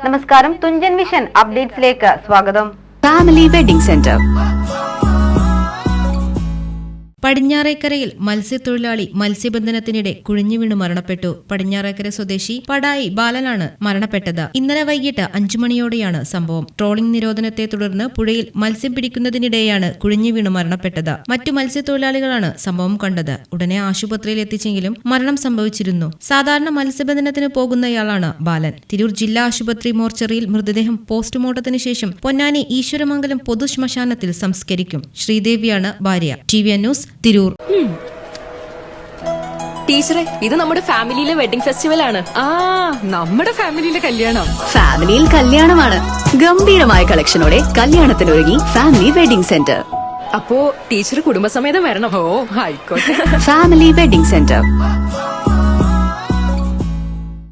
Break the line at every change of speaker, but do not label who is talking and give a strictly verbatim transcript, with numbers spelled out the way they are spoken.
നമസ്കാരം, തുഞ്ചൻ വിഷൻ അപ്ഡേറ്റ്സിലേക്ക് സ്വാഗതം.
Family wedding centre.
പടിഞ്ഞാറേക്കരയിൽ മത്സ്യത്തൊഴിലാളി മത്സ്യബന്ധനത്തിനിടെ കുഴിഞ്ഞു വീണ് മരണപ്പെട്ടു. പടിഞ്ഞാറേക്കര സ്വദേശി പടായി ബാലനാണ് മരണപ്പെട്ടത്. ഇന്നലെ വൈകിട്ട് അഞ്ചു മണിയോടെയാണ് സംഭവം. ട്രോളിംഗ് നിരോധനത്തെ തുടർന്ന് പുഴയിൽ മത്സ്യം പിടിക്കുന്നതിനിടെയാണ് കുഴിഞ്ഞു വീണ് മരണപ്പെട്ടത്. മറ്റു മത്സ്യത്തൊഴിലാളികളാണ് സംഭവം കണ്ടത്. ഉടനെ ആശുപത്രിയിൽ എത്തിച്ചെങ്കിലും മരണം സംഭവിച്ചിരുന്നു. സാധാരണ മത്സ്യബന്ധനത്തിന് പോകുന്നയാളാണ് ബാലൻ. തിരൂർ ജില്ലാ ആശുപത്രി മോർച്ചറിയിൽ മൃതദേഹം പോസ്റ്റ്മോർട്ടത്തിന് ശേഷം പൊന്നാനി ഈശ്വരമംഗലം പൊതുശ്മശാനത്തിൽ സംസ്കരിക്കും. ശ്രീദേവിയാണ് ഭാര്യ. T V news, Tirur.
ടീച്ചറെ, ഇത് നമ്മുടെ ഫാമിലിയിലെ വെഡിങ് ഫെസ്റ്റിവൽ ആണ്.
ആ നമ്മുടെ ഫാമിലിയിലെ കല്യാണം.
ഫാമിലിയിൽ കല്യാണമാണ്. ഗംഭീരമായ കളക്ഷനോടെ കല്യാണത്തിനൊരുങ്ങി ഫാമിലി വെഡിംഗ് സെന്റർ.
അപ്പോ ടീച്ചർ കുടുംബസമേതം വരണം.
ഓ ആയിക്കോട്ടെ.
Family wedding centre.